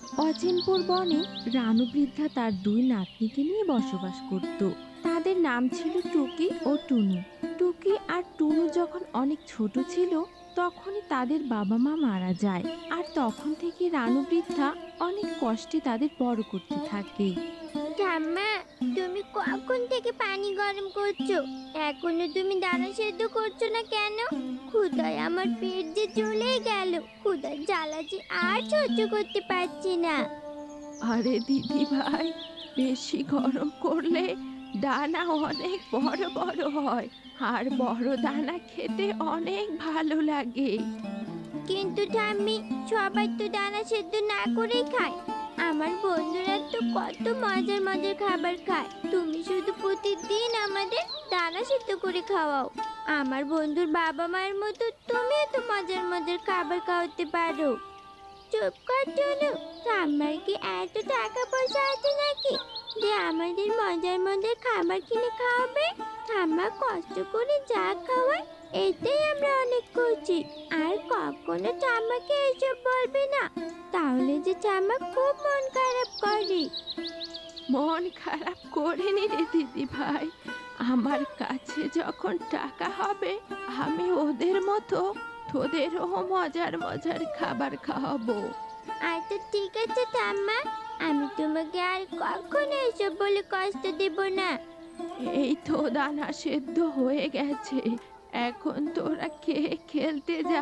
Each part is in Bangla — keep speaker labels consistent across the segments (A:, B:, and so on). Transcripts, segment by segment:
A: অচিনপুর বনে রানু বৃদ্ধা তার দুই নাতনিকে নিয়ে বসবাস করত। তাদের নাম ছিল টুকি ও টুনু। টুকি আর টুনু যখন অনেক ছোট ছিল তখনই তাদের বাবা মা মারা যায়। আর তখন থেকে রানু বৃদ্ধা অনেক কষ্টে তাদের বড় করতে থাকে।
B: ঠাম্মা, তুমি কখন থেকে পানি গরম করছো? এখনো তুমি দানা সেদ্ধ করছো না কেন? ক্ষুধায় আমার পেট যে জ্বলে গেল। ক্ষুধার জ্বালা যে আর সহ্য করতে পারছি না।
A: আরে দিদি ভাই, বেশি গরম করলে দানা অনেক বড় বড় হয়, আর বড় দানা খেতে অনেক ভালো লাগে।
B: কিন্তু ঠাম্মি, সবাই তো দানা সেদ্ধ না করেই খায়। আমার বন্ধুরা তো কত মজার মজার খাবার খায়, তুমি শুধু প্রতিদিন আমাদের দানা সেদ্ধ করে খাওয়াও। আমার বন্ধুর বাবা মায়ের মতো তুমিও তো মজার মজার খাবার খাওয়াতে পারো। চুপ কর টুনু, ঠাম্মার কি এত টাকা পয়সা আছে নাকি যে আমাদের মজার মজার খাবার কিনে খাওয়াবে? ঠাম্মা কষ্ট করে যা খাওয়ায় এতেই আমরা অনেক খুশি। আর কখনো ঠাম্মাকে এসব বলবে না, তাহলে যে ঠাম্মা খুব মন খারাপ করে।
A: মন খারাপ করিনি রে দিদি ভাই, আমার কাছে যখন টাকা হবে আমি ওদের মতো তোদেরও মজার মজার খাবার খাওয়াবো।
B: আচ্ছা ঠিক আছে ঠাম্মা, আমি তোমাকে আর কখনো এসব বলে কষ্ট দেব না।
A: এই তো দানা সেদ্ধ হয়ে গেছে, এখন তোরা খেয়ে খেলতে যা।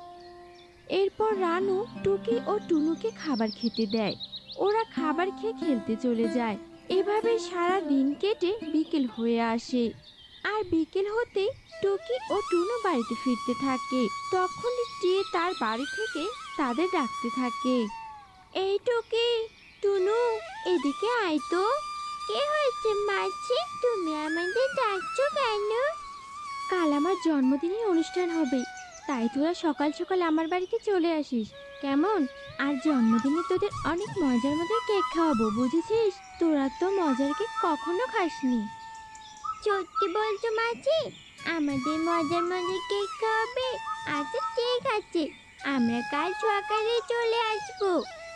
A: এরপর রানু টুকি ও টুনুকে খাবার খেতে দেয়। ওরা খাবার খেয়ে খেলতে চলে যায়। এভাবে সারা দিন কেটে বিকেল হয়ে আসে। আর বিকেল হতে টুকি ও টুনু বাড়িতে ফিরতে থাকে। তখনই টিয়ে তার বাড়ি থেকে তাদের ডাকতে থাকে। এই টুকি, টুনু, এদিকে আয় তো।
B: কি হয়েছে মাছি, তুমি আমাদের ডাকছো কেন?
A: কাল আমার জন্মদিনের অনুষ্ঠান হবে, তাই তোরা সকাল সকাল আমার বাড়িতে চলে আসিস কেমন? আর জন্মদিনে তোদের অনেক মজার মজার কেক খাওয়াবো, বুঝেছিস? তোরা তো মজার কেক কখনো খাসনি।
B: সত্যি বলছো মাছি? আমাদের মজার মজার কেক খাওয়াবে? আচ্ছা ঠিক আছে, আমরা কাল সকালে চলে আসবো।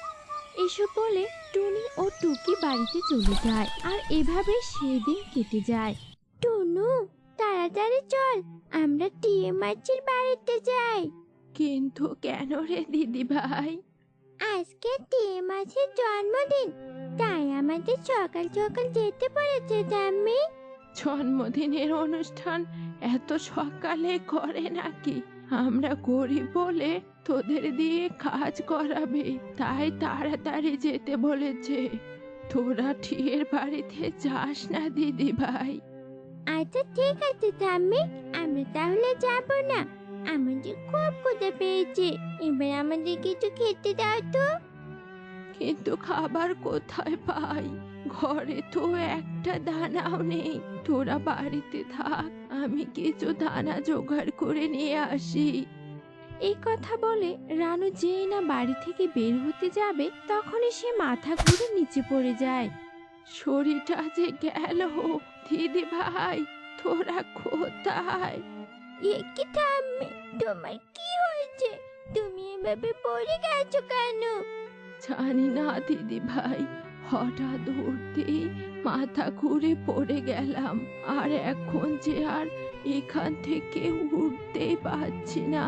A: এসব বলে টুনি ও টুকি বাড়িতে চলে যায়। আর এভাবে সেদিন কেটে যায়।
B: টুনু, তাড়াতাড়ি চল, আমরা টিয়ে মাছির বাড়িতে যাই।
A: কিন্তু কেন রে দিদি ভাই?
B: আজকে টিয়ে মাছের জন্মদিন, তাই আমাদের সকাল সকাল যেতে বলেছে ঠাম্মি।
A: জন্মদিনের অনুষ্ঠান এত সকালে করে নাকি? আমরা গরিব বলে তোদের দিয়ে কাজ করাবে, তাই তাড়াতাড়ি যেতে বলেছে। তোরা ঠিয়ের বাড়িতে যাস না দিদি ভাই।
B: আচ্ছা ঠিক আছে ঠাম্মি, আমরা তাহলে যাব না। আমাদের খুব ক্ষুধা পেয়েছে, এবার আমাদের কিছু খেতে দাও তো।
A: কিন্তু খাবার কোথায় পাই? ঘরে তো একটা দানাও নেই। তোরা বাড়িতে থাক, আমি কিছু দানা জোগাড় করে নিয়ে আসি। এই কথা বলে রানু যেই না বাড়ি থেকে বের হতে যাবে তখনই সে মাথা ঘুরে নিচে পড়ে যায়। শরীরটা যে গেল। দিদি ভাই, তোরা কোথায়?
B: এ কি ঠাম্মি, তোমার কি হয়েছে? তুমি এভাবে পড়ে গেছো কেন?
A: জানি না দিদি ভাই, হঠাৎ উঠতেই মাথা ঘুরে পড়ে গেলাম। আর এখন যে আর এখান থেকে উঠতেই পারছি না।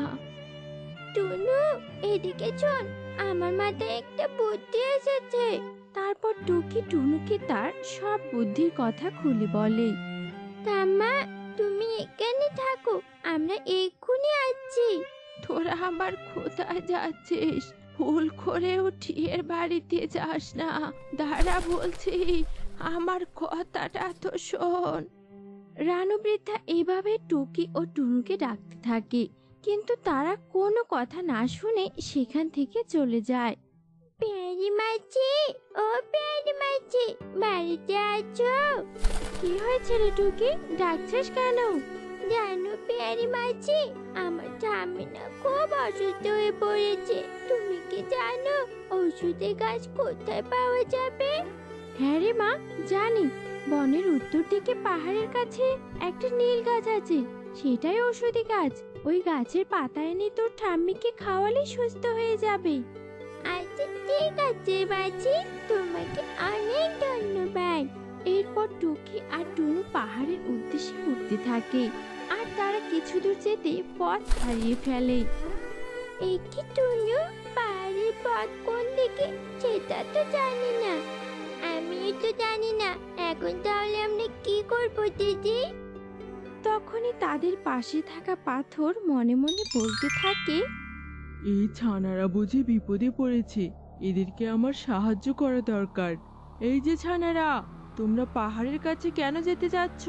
B: টুনু, এদিকে চল, আমার মাথায় একটা বুদ্ধি এসেছে।
A: তারপর টুকি টুনুকে তার সব বুদ্ধির কথা খুলে বলে।
B: ঠাম্মা, তুমি এখানে থাকো, আমরা এক্ষুনি আসছি।
A: তোরা আমার কোথায় যাচ্ছিস? ভুল করেও ঠিয়ের বাড়িতে যাস না। দাঁড়া বলছি, আমার কথাটা তো শোন। রানু বৃদ্ধা এইভাবে টুকি ও টুনুকে ডাকতে থাকে, কিন্তু তারা কোনো কথা না শুনে সেখান থেকে চলে যায়।
B: পেয়ারি মাছি, ও পেয়ারি মাছি, বাড়িতে আছো?
A: কি হয়েছে রে টুকি, ডাকছিস কেন?
B: জানো পেয়ারি মাছি, আমার ঠাম্মি না খুব অসুস্থ হয়ে পড়েছে। তুমি কি জানো ওষুধের গাছ কোথায় পাওয়া যাবে?
A: হ্যাঁ রে মা, জানি। বনের উত্তর দিকে পাহাড়ের কাছে একটা নীল গাছ আছে, সেটাই ঔষধি গাছ। ওই গাছের পাতা এনে তোর ঠাম্মিকে খাওয়ালেই সুস্থ হয়ে যাবে।
B: আচ্ছা ঠিক আছে বাজি, তোমাকে অনেক ধন্যবাদ।
A: এরপর টুকি আর টুনু পাহাড়ের উদ্দেশ্যে উঠতে থাকে আর তারা কিছু দূর যেতে পথ হারিয়ে ফেলে।
B: এই কি টুনু, পাহাড়ের পথ কোন দিকে সেটা তো জানি না। আমিও তো জানি না। এখন তাহলে আমরা কি করবো দিদি?
A: তখনই তাদের পাশে থাকা পাথর মনে মনে বলতে থাকে,
C: এই ছানারা বুঝি বিপদে পড়েছে, এদেরকে আমার সাহায্য করা দরকার। এই যে ছানারা, তোমরা পাহাড়ের কাছে কেন যেতে যাচ্ছ?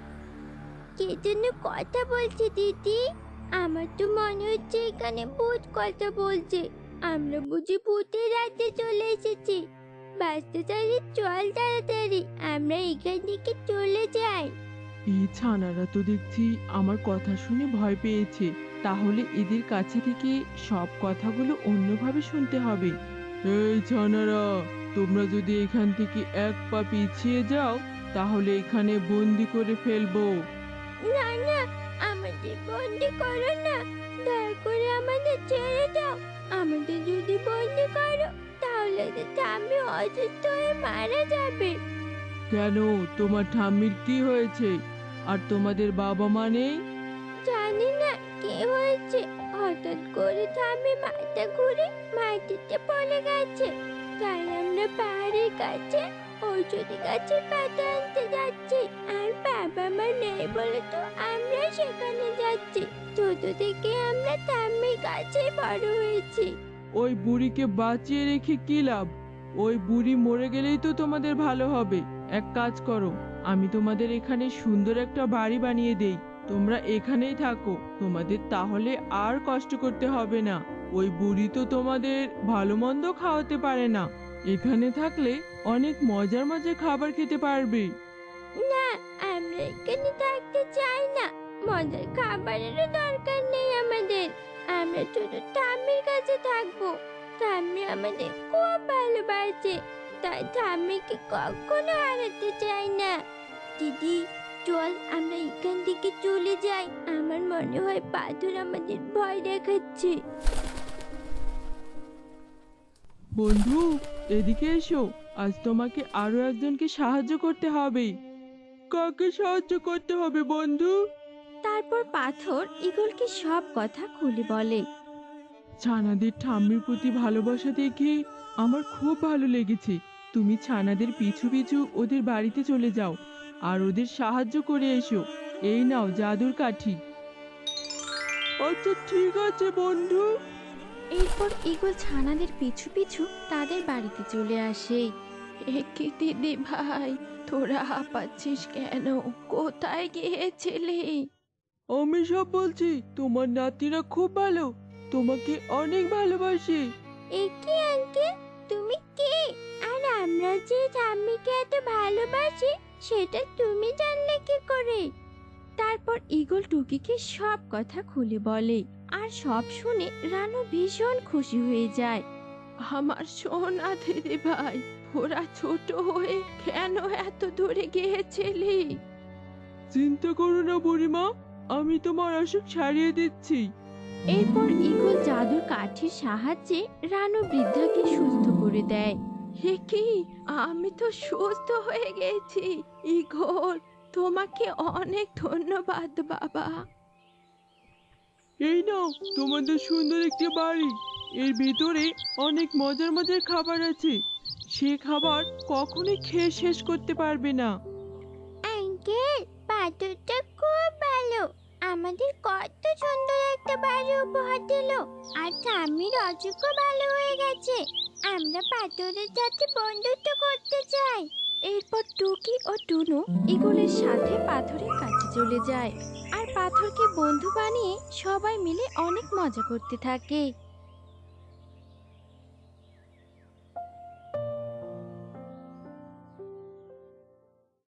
B: কে যেন কথা বলছে দিদি। আমার তো মনে হচ্ছে এখানে ভূত কথা বলছে। আমরা বুঝি ভূতের রাজ্যে চলে এসেছি। বাঁচতে চাইলে চল তাড়াতাড়ি, আমরা এখান থেকে চলে যাই।
C: এই ছানারা তো দেখছি আমার কথা শুনে ভয় পেয়েছে। তাহলে এদের কাছে থেকে সব কথাগুলো অন্যভাবে শুনতে হবে। এই ছানারা, তোমরা যদি এখান থেকে এক পা পিছিয়ে যাও তাহলে এখানে বন্দি করে ফেলবো।
B: না না, আমাদের বন্দি করো না। দয়া করে আমাদের ছেড়ে দাও। আমাদের যদি বন্দি করো তাহলে তো ঠাম্মি অসুস্থ হয়ে মারা যাবে।
C: কেন, তোমার ঠাম্মির কি হয়েছে? আর তোমাদের বাবা মা নেই?
B: জানি না কি হয়েছে, হঠাৎ করে ঠাম্মি মাথা ঘুরে মাটিতে পড়ে গেছে। তাই আমরা পাহাড়ের কাছে ঔষধি গাছের পাতা আনতে যাচ্ছি। আর বাবা মা নেই বলে তো আমরা সেখানে যাচ্ছি। ছোট থেকে আমরা ঠাম্মির কাছে বড় হয়েছি।
C: ওই বুড়িকে বাঁচিয়ে রেখে কি লাভ? ওই বুড়ি মরে গেলেই তো তোমাদের ভালো হবে। এক কাজ করো, আমি তোমাদের এখানে সুন্দর একটা বাড়ি বানিয়ে দেই। তোমরা এখানেই থাকো, তোমাদের তাহলে আর কষ্ট করতে হবে না। ওই বুড়ি তো তোমাদের ভালো মন্দ খাওয়াতে পারে না। এখানে থাকলে অনেক মজার মজার খাবার খেতে পারবে।
B: না, আমরা এখানে থাকতে চাই না। মজার খাবারেরও দরকার নেই আমাদের। আমরা শুধু ঠাম্মির কাছে থাকবো। ঠাম্মি আমাদের খুব ভালোবাসে, তাই ঠাম্মিকে কখনো হারাতে চাই না। দিদি চল আমরা এখান থেকে চলে যাই। আমার মনে হয় পাথর আমাদের ভয় দেখাচ্ছে।
C: বন্ধু, এদিকে এসো। আজ তোমাকে আরো একজনকে সাহায্য করতে হবে। কাকে সাহায্য করতে হবে বন্ধু?
A: তারপর পাথর ঈগলকে সব কথা খুলে বলে।
C: ছানাদের ঠাম্মির প্রতি ভালোবাসা দেখে আমার খুব ভালো লেগেছে। তুমি ছানাদের পিছু পিছু ওদের বাড়িতে চলে যাও আর ওদের সাহায্য করে এসো। এই নাও জাদুর কাঠি। আচ্ছা ঠিক আছে বন্ধু।
A: এরপর ঈগল ছানাদের পিছু পিছু তাদের বাড়িতে চলে আসে। একে দিদি ভাই, তোরা হাঁপাচ্ছিস কেন? কোথায় গিয়েছিলি?
C: আমি সব বলছি, তোমার নাতিরা খুব ভালো, তোমাকে অনেক ভালোবাসে।
B: একি আঙ্কেল, তুমি কে? আর আমরা যে ঠাম্মিকে এত ভালোবাসি সেটা তুমি জানলে কি করে?
A: তারপর ঈগল টুকিকে সব কথা খুলে বলে আর সব শুনে রানু ভীষণ খুশি হয়ে যায়। আমার সোনা দিদি ভাই, ওরা ছোট হয়ে কেন এত দূরে গিয়েছিলি?
C: চিন্তা করো না বুড়িমা, আমি তোমার অসুখ সারিয়ে দিচ্ছি।
A: এরপর ঈগল জাদুর কাঠির সাহায্যে রানু বৃদ্ধাকে সুস্থ করে দেয়। হে কি, আমি তো সুস্থ হয়ে গেছি। ঈগল, তোমাকে অনেক ধন্যবাদ বাবা।
C: এই নাও তোমাদের সুন্দর একটি বাড়ি। এর ভিতরে অনেক মজার মজার খাবার আছে। সে খাবার কখনোই খেয়ে শেষ করতে পারবে না।
B: আঙ্কেল, পাথরটা খুব ভালো। আমাদের কত সুন্দর একটা বাড়ি উপহার দিল। আর ঠাম্মির অসুখও ভালো হয়ে গেছে। আমরা পাথরের সাথে বন্ধুত্ব করতে চাই।
A: এরপর টুকি ও টুনু ঈগলের সাথে পাথরের কাছে চলে যায় আর পাথরকে বন্ধু বানিয়ে সবাই মিলে অনেক মজা করতে থাকে।